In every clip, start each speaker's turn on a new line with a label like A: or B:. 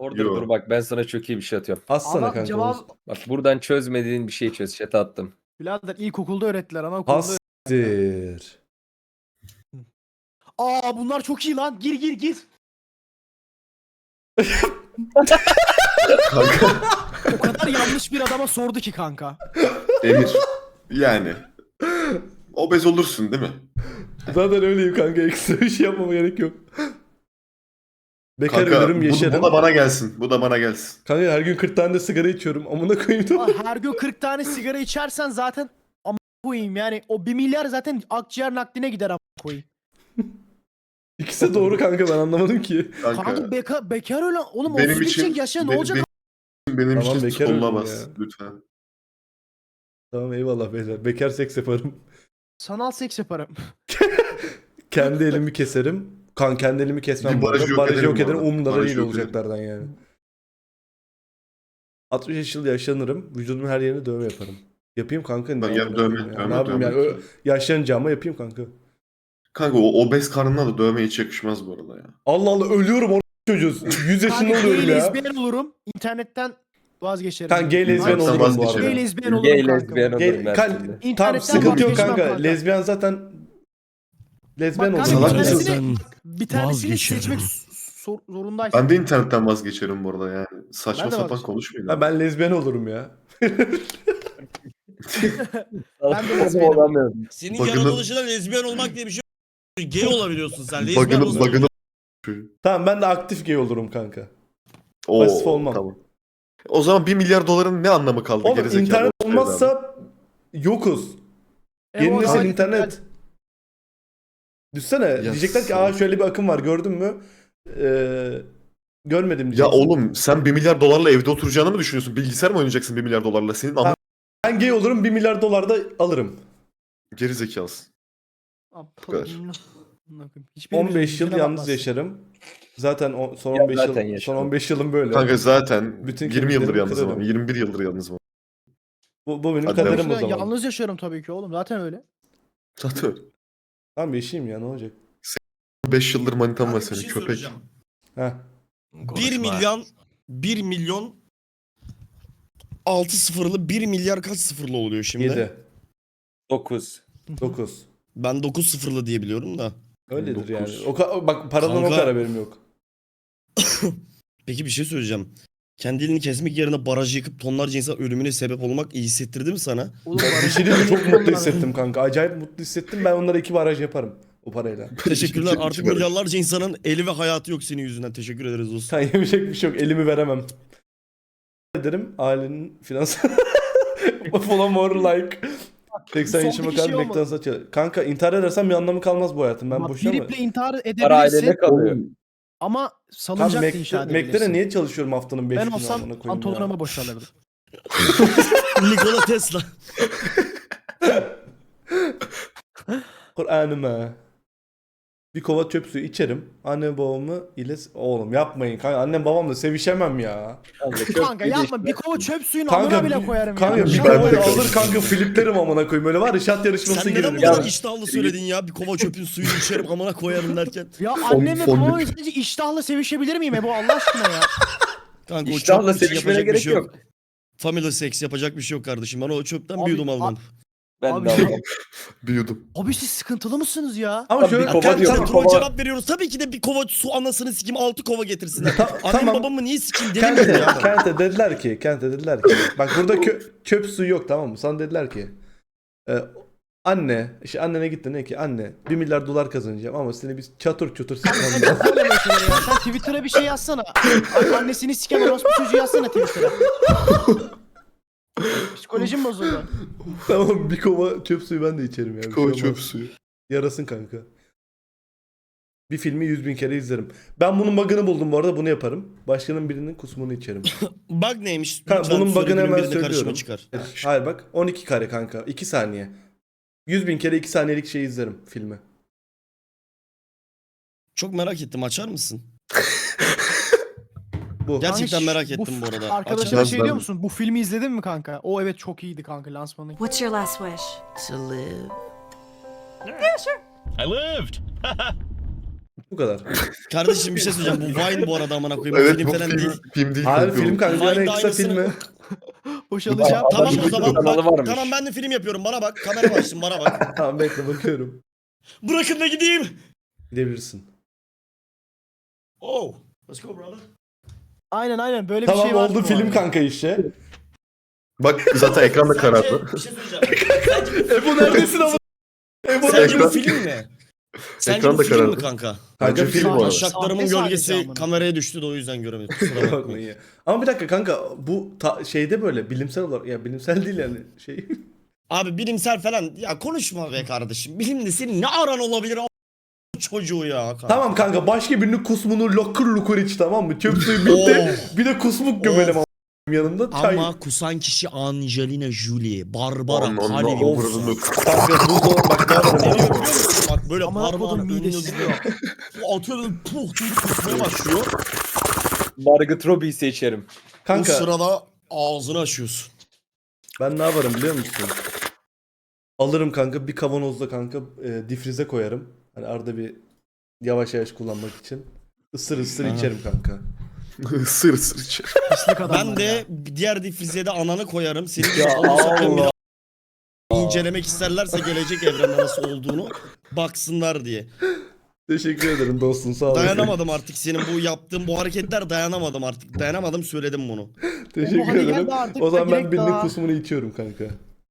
A: Orada
B: Yo.
A: dur bak ben sana çok iyi bir şey atıyorum.
C: Atsana
D: Ama
C: kanka.
D: cevap
A: Bak buradan çözmediğin bir şey çöz. Chat'e attım.
D: birader ilkokulda öğrettiler, anaokulda.
C: Hastir.
D: Aa bunlar çok iyi lan. Gir.
B: Kanka
D: O kadar yanlış bir adama sordu ki kanka.
B: Emir. Yani. Obez olursun değil mi?
C: Zaten öyleyim kanka. Ekstra bir şey yapmama gerek yok. Bekar
B: Kanka
C: ölürüm yaşarım.
B: bu da bana gelsin. Bu da bana gelsin.
C: Kanka her gün 40 tane de sigara içiyorum. Amına koyayım da.
D: Aa, her gün 40 tane sigara içersen zaten ama koyayım yani o 1 milyar zaten akciğer nakline gider ama koyayım.
C: İkisi doğru kanka, ben anlamadım ki.
D: Kanka bekar öyle oğlum
B: benim
D: 31
B: için
D: çek yaşa ne
B: be-
D: olacak?
B: benim
C: Tamam,
B: için
C: bekar
B: sonulamaz
C: ölürüm
B: lütfen.
C: Tamam eyvallah beyler. Bekar seks yaparım.
D: Sanal seks yaparım.
C: Kendi elimi keserim. Kendi elimi kesmem.
B: Bir
C: bu arada.
B: barajı yok
C: Barajı
B: ederim
C: yok
B: bu
C: ederim.
B: arada.
C: Umurumda
B: Barajı
C: değil
B: yok
C: olacaklardan yani. 60 yıl yaşlanırım. Vücudumun her yerine dövme yaparım. Yapayım kanka.
B: Ben
C: ne
B: yap
C: yapayım
B: dövme,
C: ya?
B: dövme,
C: Ne yapayım
B: dövme.
C: yani? Yaşlanacağıma yapayım kanka.
B: Kanka o obez karnına da dövme hiç yakışmaz bu arada ya.
C: Allah Allah, ölüyorum orada çocuğuz. 100 yaşında
D: Kanka
C: oluyorum
D: gay
C: ya.
D: lezbiyen olurum. İnternetten vazgeçerim.
C: Kanka gay lezbiyen
B: İnternetten
C: olurum bu
B: vazgeçerim.
C: arada.
D: Gay lezbiyen olurum
A: Gay
D: kanka.
A: lezbiyen
C: Gay,
A: olurum her türlü.
C: tamam
D: İnternetten
C: sıkıntı yok
D: vazgeçmem
C: kanka.
D: kanka.
C: Lezbiyen zaten lezbiyen
D: Bak
C: olurum.
D: kanka bir
B: Salak
C: yani.
B: mısın?
D: bir tanesini
E: Vazgeçerim.
D: seçmek zorundaysın.
B: Ben de internetten vazgeçerim bu arada yani. Saçma
D: Ben de
B: sapan
D: vazgeçerim.
B: konuşmayın.
C: Ha,
B: abi.
C: ben lezbiyen olurum ya.
D: Ben de lezbiyenim.
A: olamıyorum.
E: Senin
B: Bug'ını-
E: yaratılışında lezbiyen olmak diye bir şey yok. Gay olabiliyorsun sen. Lezbiyen
B: Bug'ını
E: olabiliyorsun.
C: Tamam, ben de aktif gay olurum kanka.
B: Oo,
C: Pasif olmam.
B: Tamam. O zaman 1 milyar doların ne anlamı kaldı?
C: Oğlum
B: gerizekalı
C: internet
B: ortaya adam?
C: olmazsa yokuz. Yeni
D: Evet,
C: nesil
D: evet.
C: internet. Düşsene, diyecekler ki
B: sağ-
C: şöyle bir akım var, gördün mü? Görmedim
B: Ya
C: diyeceksin.
B: oğlum sen 1 milyar dolarla evde oturacağını mı düşünüyorsun? Bilgisayar mı oynayacaksın 1 milyar dolarla? Senin ama
C: Ben gay olurum, 1 milyar dolar da alırım.
B: gerizekalısın. kadar.
D: Hiçbirimiz
C: 15 yıl
D: yüzüne
C: yalnız
D: bakmaz.
C: yaşarım. Zaten son
A: Ya
C: 15
A: zaten
C: yıl
A: yaşarım.
C: son 15 yılım böyle.
B: Kanka zaten
C: Bütün
B: 20 yıldır
C: kemiklerimi
B: yalnızım ama.
C: kırarım.
B: 21 yıldır yalnızım.
C: Bu benim
B: Hadi
C: kaderim o
D: Yalnız-
C: zaman.
D: Yalnız yaşıyorum tabii ki oğlum zaten öyle.
B: Zaten öyle.
C: Tamam, yaşayayım ya, ne olacak?
B: 5 yıldır manitam var
E: Kanka bir
B: senin
E: şey
B: köpek.
E: söyleyeceğim.
C: Heh.
E: 1 milyon 6 sıfırlı 1 milyar kaç sıfırlı oluyor şimdi?
C: 7,
A: 9.
C: 9.
E: Ben 9 sıfırlı diye biliyorum da.
C: Öyledir
B: 9.
C: yani. Bak paradan o
E: Kanka-
C: kadar haberim yok.
E: Peki bir şey söyleyeceğim. Kendi elini kesmek yerine barajı yıkıp tonlarca insan ölümüne sebep olmak iyi hissettirdi mi sana?
D: Oğlum,
C: Bir şey değil mi? Çok mutlu hissettim kanka. Acayip mutlu hissettim. Ben onlara 2 baraj yaparım o parayla.
E: Teşekkürler.
B: İki
E: Artık
B: baraj.
E: milyarlarca insanın eli ve hayatı yok senin yüzünden. Teşekkür ederiz dostum.
C: Sen yemeyecek bir şey yok. Elimi veremem. Ederim ailenin finansal follow more like 80 yaşıma
D: Sondaki
C: kadar
D: şey olmadı.
C: McDonald's'a çalışıyorum. Kanka intihar edersem bir anlamı kalmaz bu hayatım. Ben
D: Bak,
C: boşuna mı?
D: Biriple intihar
A: Para ailene
D: edebilirsin
A: kalıyor.
D: ama
C: Tam
D: salıncak da inşa
C: Mac'lere
D: edebilirsin.
C: niye çalışıyorum haftanın 5
D: Ben
C: günü
D: olsam
C: amına koyayım
D: pantolonuma
C: ya?
D: boşalırdım.
E: Nikola Tesla.
C: Kur'an'ıma. Bir kova çöp suyu içerim. Anne babamı ile... Oğlum yapmayın kanka. Annem babamla sevişemem ya.
D: Kanka yapma bir kova çöp suyunu
C: Kanka,
D: amına bile koyarım
C: Kanka
D: ya.
C: bir
B: Ben de
C: kovayı
B: kanka.
C: alır kanka fliplerim amına koyayım. Öyle var ya, şat yarışması
E: Sen neden
C: girerim.
E: bu kadar
C: Ya.
E: iştahlı söyledin ya? Bir kova çöpün suyunu içerim amına koyarım derken.
D: Ya annemle
B: fondip.
D: babamla sadece iştahla sevişebilir miyim bu Allah aşkına ya?
E: Kanka o
A: İştahla
E: çöp için
A: sevişmene
E: yapacak bir
A: gerek
E: şey yok.
A: yok.
E: Family sex yapacak bir şey yok kardeşim. Ben o çöpten
D: Abi,
E: bir yudum almam.
A: Ben
D: Abi,
A: de almam.
B: Bir yudum.
D: Abi siz sıkıntılı mısınız ya?
C: Ama
A: Tabii
C: şöyle
A: bir kova
E: Kanka
A: diyorum.
E: sen troll
A: Kova-
E: cevap veriyoruz. Tabii ki de bir kova su anasını sikim 6 kova getirsinler. Annem
C: tamam.
E: babamı niye sikim deli miyim ya?
C: Kente dediler ki bak burada çöp suyu yok, tamam mı? Sana dediler ki anne, işte annene gitti ne ki, anne 1 milyar dolar kazanacağım ama seni biz çatır çutur
D: Sen
C: sıkmam
D: de
C: lazım.
D: söyleme şeyleri ya. Sen Twitter'a bir şey yazsana. Annesini siken orospu çocuğu yazsana Twitter'a. Psikolojim bozuldu.
C: Tamam, bir kova çöp suyu ben de içerim ya. Bir
B: Kova
C: şey
B: çöp
C: olmaz.
B: suyu.
C: Yarasın kanka. Bir filmi 100.000 kere izlerim. Ben bunun bug'ını buldum bu arada, bunu yaparım. Başkanın birinin kusmunu içerim.
E: Bug neymiş?
C: Kanka,
E: Lütfen
C: bunun
E: söyle,
C: bug'ını
E: günün
C: hemen
E: birinde karşıma
C: söylüyorum.
E: çıkar.
C: Hayır bak, 12 kare kanka. 2 saniye. 100.000 kere 2 saniyelik şey izlerim filmi.
E: Çok merak ettim. Açar mısın?
C: Bu.
E: Gerçekten
D: Kanka,
E: merak ettim bu arada.
D: Arkadaşına
B: Açar.
D: şey diyor musun? Bu filmi izledin mi kanka? O evet çok iyiydi kanka lansmanı.
F: What's your last wish?
G: To live.
H: I lived.
C: Bu kadar.
E: Kardeşim bir şey söyleyeceğim. Bu Vine bu arada amına koyayım.
B: Evet
E: Film
B: bu
E: falan
B: film,
E: değil.
B: film değil.
C: Hayır
B: kanka,
C: film
B: o.
C: kanka
E: Vine'da
C: en kısa
E: aynısını-
C: filmi.
D: Boşalacağım.
E: Tamam o
A: YouTube
E: zaman
A: kanalı
E: bak,
A: varmış.
E: tamam ben de film yapıyorum. Bana bak. Kamera açtım bana bak.
C: Tamam bekle bakıyorum.
E: Bırakın da gideyim.
C: Gidebilirsin.
E: Oh. Let's go brother.
D: Aynen böyle bir
C: Tamam
D: şey var.
C: oldu film kanka işte.
B: Bak zaten ekranda karardı.
E: Bir şey söyleyeceğim.
C: Ebo neredesin ama? Ebo
E: Sence bu
B: Ekran-
E: film mi? Sence
B: Ekran
E: bu
B: da
E: film mi
B: karardı.
E: kanka?
C: Kanka
B: Bence
C: film
B: film
C: bu
B: bu
C: arada.
B: arada.
E: Taşaklarımın
D: Sahne
E: gölgesi
D: sadece amına.
E: kameraya düştü de o yüzden göremedim. Kusura
C: Bakmayın
E: bakmayın.
C: ya. Ama bir dakika kanka bu şeyde böyle bilimsel olarak ya bilimsel değil yani şey.
E: Abi bilimsel falan ya konuşma be kardeşim. Bilimde senin ne aran olabilir o çocuğu ya. Kanka.
C: Tamam kanka başka birinin kusmunu lokur lokur iç tamam mı? Çöp suyu bitti. Bir de kusmuk gömelim ama yanında çay.
E: Ama kusan kişi Angelina Jolie, Barbara,
B: Onun
E: Kali.
B: omurunu
C: Kanka bu zor bak ne
E: Ne
C: yapalım.
E: diyor biliyor musun? Bak böyle
D: Aman
E: parmağını
D: kodum
E: önüne
D: midesi.
E: duruyor. Atıyor böyle puh çocuk kusmaya başlıyor.
A: Margot Robbie'yi seçerim.
E: O
C: Kanka
E: sırada ağzını açıyorsun.
C: ben ne yaparım biliyor musun? Alırım kanka bir kavanozda kanka difrize koyarım. Hani arada bir yavaş yavaş kullanmak için. Isır ısır
E: Aha.
C: içerim kanka.
B: ısır ısır içer.
D: Pislik adamlar
E: Ben
D: ya.
E: de diğer difrizeye de ananı koyarım. Senin gibi
C: Ya
E: onu satayım bir
C: Allah.
E: daha incelemek isterlerse gelecek evrende nasıl olduğunu baksınlar diye.
C: Teşekkür ederim dostum sağ olasın.
E: Dayanamadım artık senin bu yaptığın bu hareketler dayanamadım artık. Dayanamadım söyledim bunu.
C: Teşekkür
D: hadi gel
C: ederim.
D: de artık
C: O zaman ben
D: direkt
C: birinin
D: daha-
C: kusmunu içiyorum kanka.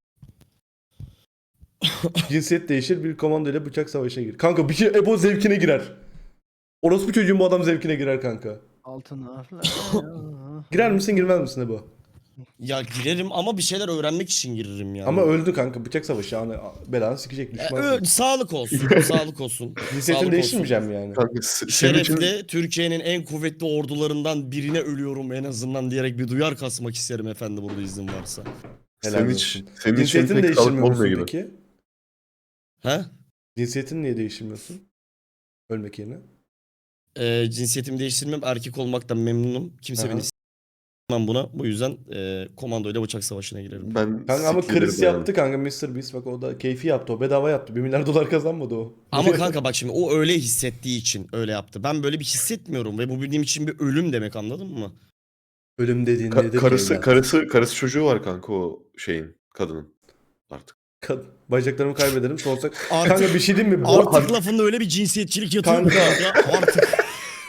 C: Cinsiyet değişir bir komando ile bıçak savaşına gir. Kanka bir şey Ebo zevkine girer. Orospu çocuğun bu adam zevkine girer kanka.
D: Altınlar.
C: Girer misin girmez misin Ebo?
E: Ya girerim ama bir şeyler öğrenmek için girerim yani.
C: Ama öldü kanka bıçak savaşı hani belanı sikecek düşman.
E: Sağlık olsun. Sağlık olsun.
C: Cinsiyetini
E: Sağlık
C: değiştirmeyeceğim yani.
B: Kanka senin için
E: Şerefli Türkiye'nin en kuvvetli ordularından birine ölüyorum en azından diyerek bir duyar kasmak isterim efendi burada izin varsa.
C: Helal
B: senin
C: olsun.
B: için senin için
C: Cinsiyetini
B: pek sağlıklı
C: değiştirmiyor musun
B: olmuyor gibi.
C: peki?
E: He?
C: Cinsiyetini niye değiştirmiyorsun? Ölmek yerine.
E: Cinsiyetimi değiştirmem. Erkek olmaktan memnunum. Kimse
C: Aha.
E: beni s**mem buna. Bu yüzden komandoyla bıçak savaşına girerim.
B: Ben
C: Kanka ama
B: sikilirim
C: Chris
B: yani.
C: yaptı kanka Mr. Beast bak o da keyfi yaptı o bedava yaptı. 1 milyar dolar kazanmadı o.
E: Ama kanka bak şimdi o öyle hissettiği için öyle yaptı. Ben böyle bir hissetmiyorum ve bu benim için bir ölüm demek anladın mı?
C: Ölüm dediğin nedir? ki
B: Karısı çocuğu var kanka o şeyin kadının. Artık.
C: Bacaklarımı kaybederim sonsuza.
E: Artık,
C: Kanka bir şey diyeyim mi?
E: artık lafında öyle bir cinsiyetçilik yatıyor mu
C: Kanka.
E: kanka? Artık.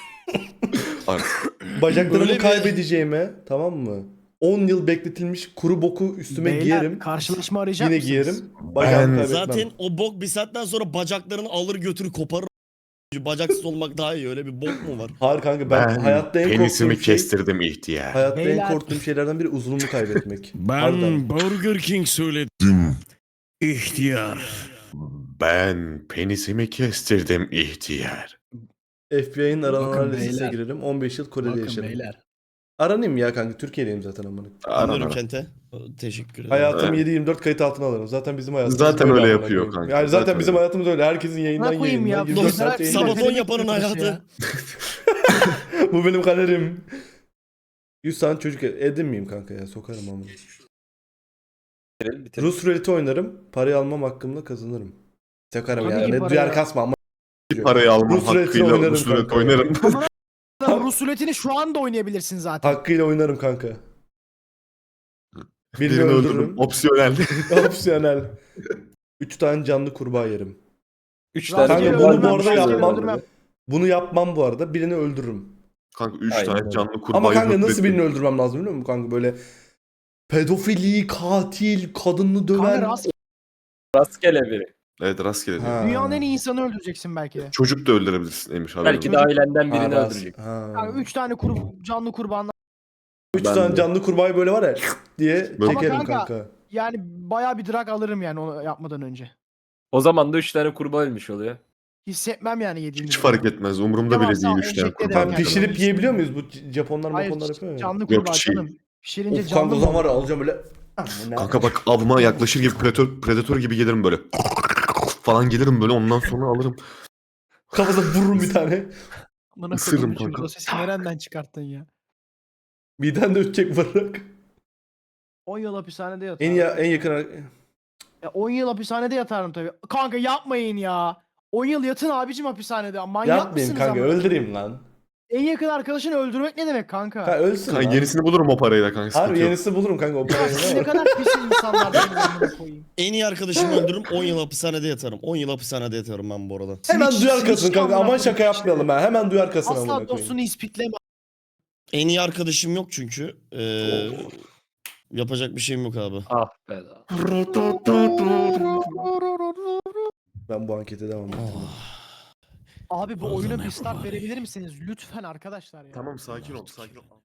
B: Artık.
C: Bacaklarımı
E: Öyle bir-
C: kaybedeceğime tamam mı? 10 yıl bekletilmiş kuru boku üstüme
D: Beyler,
C: giyerim.
D: karşılaşma arayacak
C: Yine
D: mısınız?
C: giyerim. Bacağımı
B: Ben-
C: kaybetmem.
E: Zaten o bok bir saatten sonra bacaklarını alır götürür koparır. Bacaksız olmak daha iyi. Öyle bir bok mu var?
C: Hayır kanka ben hayatta en
B: penisimi
C: korktuğum şey
B: kestirdim ihtiyar.
C: hayatta en
D: Beyler.
C: korktuğum şeylerden biri uzunluğumu kaybetmek. Harbiden.
E: Burger King söyledim. İhtiyar.
B: Ben penisimi kestirdim ihtiyar.
C: FBI'nin arananlar
D: Bakın
C: listesine
D: beyler.
C: girerim. 15 yıl Kore'de
D: Bakın
C: yaşarım.
D: beyler.
C: Aranayım ya kanka. Türkiye'deyim zaten amına.
E: Anlıyorum Kente. Teşekkür ederim.
C: Hayatım
B: Evet.
C: 7/24 kayıt altına alırım. Zaten bizim hayatımız
B: Zaten
C: böyle
B: öyle
C: amına
B: yapıyor
C: koyayım.
B: kanka.
C: Yani zaten
B: Zaten
C: bizim
B: öyle.
C: hayatımız öyle. Herkesin yayından
D: Ne koyayım
C: yayına.
D: ya?
C: 24 saat
D: Dostlar,
C: yayında.
E: Sabaton
D: Sabah-
E: yapanın hayatı.
C: Bu benim kaderim. 100 tane çocuk edin miyim kanka ya? Sokarım amına.
A: Bitirelim, bitirelim.
C: Rus ruleti oynarım. Parayı almam hakkımda kazanırım. Sokarım
D: Tabii
C: ya.
D: ki
C: Ne
D: parayı-
C: duyar kasma ama.
B: Bir parayı almam
C: Rus ruletini
B: hakkıyla
C: oynarım
B: Rus rulet
C: kanka.
B: oynarım.
D: Ama Rus ruletini şu anda oynayabilirsin zaten.
C: Hakkıyla oynarım kanka. Birini
B: Birini
C: öldürürüm.
B: öldürürüm. Opsiyonel.
C: Opsiyonel. 3 tane canlı kurbağa yerim.
A: 3
D: Kanka,
A: tane
C: Kanka
D: Rastgele
C: bunu bu
D: öldürmem,
C: arada
D: rastgele
C: yapmam.
D: öldürmem.
C: Bunu yapmam bu arada. Birini öldürürüm.
B: Kanka 3
A: Aynen
B: tane
A: öyle.
B: canlı kurbağa.
C: Ama kanka nasıl birini öldürmem lazım biliyor musun kanka? Böyle pedofili, katil, kadını
D: Kanka
C: döven.
A: Rastgele biri.
B: Evet rastgele değil.
C: Ha.
D: Dünyanın en iyi insanı öldüreceksin belki de.
B: Çocuk da öldürebilirsin Emir haberin
A: Belki de
B: olsun.
A: ailenden
C: Ha,
A: birini öldürecek.
C: Ha.
D: Kanka 3 tane canlı kurbanla.
C: 3
B: Ben
C: tane
B: de.
C: canlı kurbağayı böyle var ya diye
B: Böyle-
C: çekerim
D: Ama kanka-
C: kanka.
D: Yani bayağı bir drag alırım yani onu yapmadan önce.
A: O zaman da 3 tane kurbağa ölmüş oluyor.
D: Hissetmem yani yediğimi.
B: Hiç fark etmez. Umurumda bile
D: Devasa
B: değil 3 tane
D: enjekte
B: kurbağa.
D: ederim
C: Sen
D: yani.
C: pişirip yiyebiliyor muyuz? Bu Japonlar
D: Hayır
C: maponlar yapıyor ya.
D: canlı
B: Yok,
D: kurbağa
B: şey-
D: canım. Pişirince
C: Of
D: canlı
C: kanka o
D: mı
C: zaman var
D: olur?
C: ya alacağım böyle.
B: Kanka bak avıma yaklaşır gibi predatör gibi gelirim böyle. Falan gelirim böyle ondan sonra alırım.
C: Kafasına vururum bir tane.
D: Amına
B: Isırırım
D: koyduğum için
B: kanka.
D: O sesi nereden çıkarttın ya?
C: Miden de ötecek vurarak.
D: 10 yıl hapishanede
C: En,
D: yatarım.
C: ya, en yakın
D: 10 yıl hapishanede yatarım tabii. Kanka yapmayın ya. 10 yıl yatın abicim hapishanede. Manyak
C: Yapmayayım
D: mısınız
C: kanka,
D: ama?
C: öldüreyim lan.
D: En yakın arkadaşını öldürmek ne demek kanka?
C: Kanka ölsün
B: Kanka
C: lan.
B: yenisini bulurum o parayla kanka.
C: Harbi
B: Sıkıntı yok.
C: yenisini bulurum kanka o parayı.
D: Siz ne kadar pis insanlarsınız amına koyayım.
E: En iyi arkadaşımı öldürürüm 10 yıl hapishanede yatarım. 10 yıl hapishanede yatarım ben bu arada.
C: Hemen
D: Switch-
C: duyar kasın
D: Switch
C: kanka.
D: amına
C: Aman şaka
D: koyayım
C: yapmayalım ha. Hemen duyar kasın amına
D: Asla
C: koyayım.
D: dostunu ispikleme.
E: En iyi arkadaşım yok çünkü. Yapacak bir şeyim yok abi.
A: Ah be da.
C: Ben bu ankete devam edeyim.
D: Abi bu oyuna bir start verebilir misiniz? Lütfen arkadaşlar ya.
B: Tamam sakin ol sakin ol.